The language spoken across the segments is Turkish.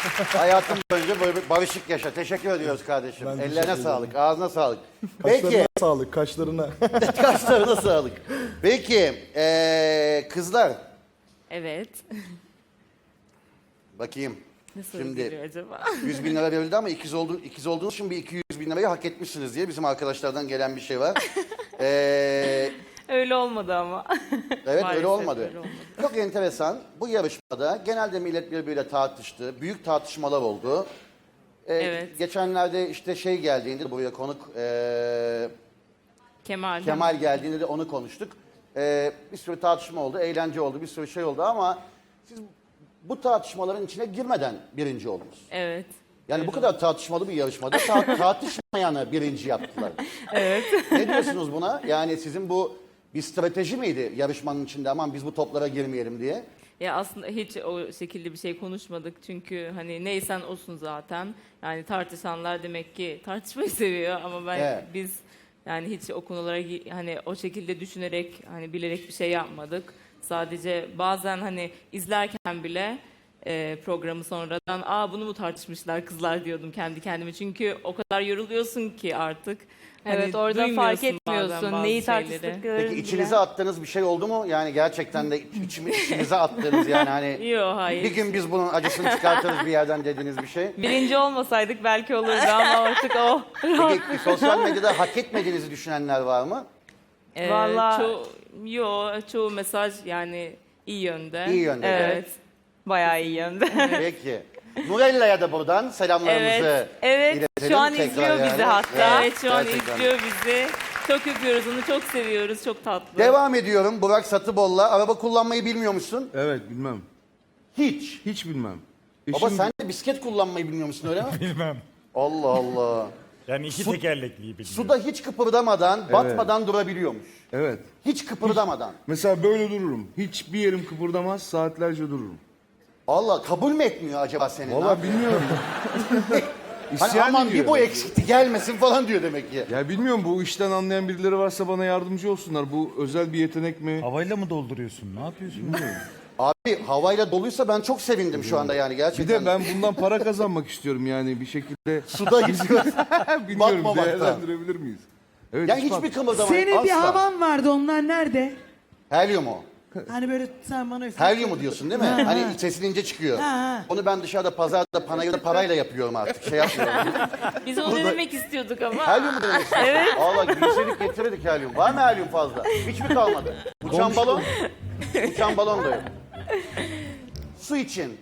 Hayatım boyunca böyle bir barışık yaşa. Teşekkür ediyoruz kardeşim. Ben Ellerine teşekkür sağlık, ağzına sağlık. Kaşlarına Peki, sağlık, kaşlarına. kaşlarına sağlık. Peki, kızlar. Evet. Bakayım. Nasıl Şimdi geliyor acaba? 100 bin lira verildi ama ikiz olduğunuz için bir 200 bin lirayı hak etmişsiniz diye bizim arkadaşlardan gelen bir şey var. Öyle olmadı ama. Evet öyle Maalesef olmadı. öyle olmadı. Çok enteresan. Bu yarışmada genelde millet birbiriyle tartıştı. Büyük tartışmalar oldu. Evet. Geçenlerde işte şey geldiğinde buraya konuk Kemal. Kemal geldiğinde de onu konuştuk. Bir sürü tartışma oldu, eğlence oldu, bir sürü şey oldu ama siz bu tartışmaların içine girmeden birinci oldunuz. Evet. Yani bu kadar tartışmalı bir yarışmada tartışmayanı birinci yaptılar. Evet. Ne diyorsunuz buna? Yani sizin bu bir strateji miydi yarışmanın içinde, aman biz bu toplara girmeyelim diye? Ya aslında hiç o şekilde bir şey konuşmadık çünkü hani neysen olsun zaten. Yani tartışanlar demek ki tartışmayı seviyor ama Evet. biz yani hiç o konulara hani o şekilde düşünerek hani bilerek bir şey yapmadık. Sadece bazen hani izlerken bile programı sonradan bunu mu tartışmışlar kızlar diyordum kendi kendime. Çünkü o kadar yoruluyorsun ki artık. Evet, Hani orada fark duymuyorsun bazen etmiyorsun bazı neyi şeyleri. tartıştıklarını Peki bile. içinize attığınız bir şey oldu mu? Yani gerçekten de içinize attığınız yani hani Yok hayır. bir gün biz bunun acısını çıkartırız bir yerden dediğiniz bir şey. Birinci olmasaydık belki olurdu ama artık o. Peki sosyal medyada hak etmediğinizi düşünenler var mı? Vallahi- çoğu mesaj yani iyi yönde. İyi yönde. Evet. Bayağı iyi yönde. Peki. Nurella'ya da buradan selamlarımızı Evet, evet. iletelim Şu an tekrar izliyor yani. bizi hatta. Evet şu an gerçekten. izliyor bizi. Çok öpüyoruz onu çok seviyoruz çok tatlı. Devam ediyorum. Burak Satıbol'la. Araba kullanmayı bilmiyormuşsun. Evet bilmem. Hiç. Hiç bilmem. Baba sen de bisiklet kullanmayı bilmiyor musun öyle mi? Bilmem. Allah Allah. Yani iki tekerlekliyi bilmiyorum. Suda hiç kıpırdamadan, batmadan durabiliyormuş. Evet. Hiç kıpırdamadan. Mesela böyle dururum. Hiçbir yerim kıpırdamaz, saatlerce dururum. Allah kabul mü etmiyor acaba seni? Ne Vallahi yapıyor? bilmiyorum. Hani İsyan aman ediyor bir bu yani. eksikti gelmesin falan diyor demek ki. Ya bilmiyorum, bu işten anlayan birileri varsa bana yardımcı olsunlar. Bu özel bir yetenek mi? Havayla mı dolduruyorsun? Ne yapıyorsun? Abi havayla doluysa ben çok sevindim şu anda yani Bir gerçekten. de ben bundan para kazanmak istiyorum yani bir şekilde. Suda gidiyor. Bilmiyorum, Batmamaktan. değerlendirebilir miyiz? Evet, Yani hiç hiçbir bak- kımıldamayın Senin bir asla. havan vardı, onlar nerede? Helyum o. Hani böyle sen bana üfle. Helyumu diyorsun değil mi? Ha, Hani ha. sesin ince çıkıyor. Ha, ha. Onu ben dışarıda pazarda panayırda parayla yapıyorum artık. Şey yapmıyorum. Biz onu denemek istiyorduk ama. Helyumu demek istiyorsun. Evet. Allah giysedik getirdik helyum. Var mı helyum fazla? Hiç mi kalmadı? Uçan balon? Uçan balon da yok. Su için.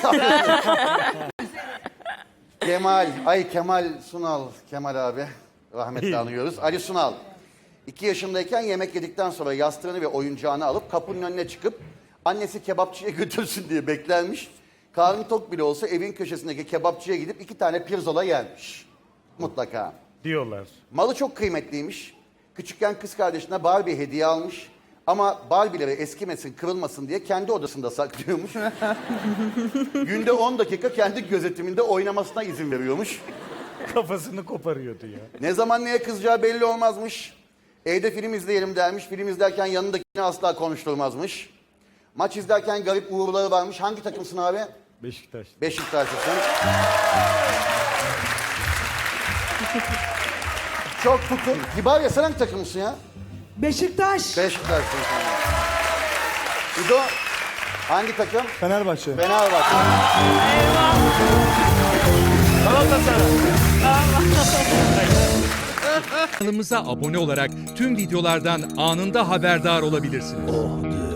Kemal Sunal. Kemal abi. Rahmetli anıyoruz. Ali Sunal. 2 yaşındayken yemek yedikten sonra yastığını ve oyuncağını alıp kapının önüne çıkıp annesi kebapçıya götürsün diye beklenmiş. Karnı tok bile olsa evin köşesindeki kebapçıya gidip 2 tane pirzola yermiş. Mutlaka. Diyorlar. Malı çok kıymetliymiş. Küçükken kız kardeşine Barbie hediye almış. Ama Barbie'leri eskimesin, kırılmasın diye kendi odasında saklıyormuş. Günde 10 dakika kendi gözetiminde oynamasına izin veriyormuş. Kafasını koparıyordu ya. Ne zaman neye kızacağı belli olmazmış. Evde film izleyelim dermiş. Film izlerken yanındakini asla konuşturmazmış. Maç izlerken garip uğurları varmış. Hangi takımsın abi? Beşiktaş. Beşiktaşlısın. Çok tutun. Kibar ya sen hangi takımsın ya? Beşiktaş. Beşiktaşlısın sen. İdo hangi takım? Fenerbahçe. Fenerbahçe. Kanalımıza abone olarak tüm videolardan anında haberdar olabilirsiniz.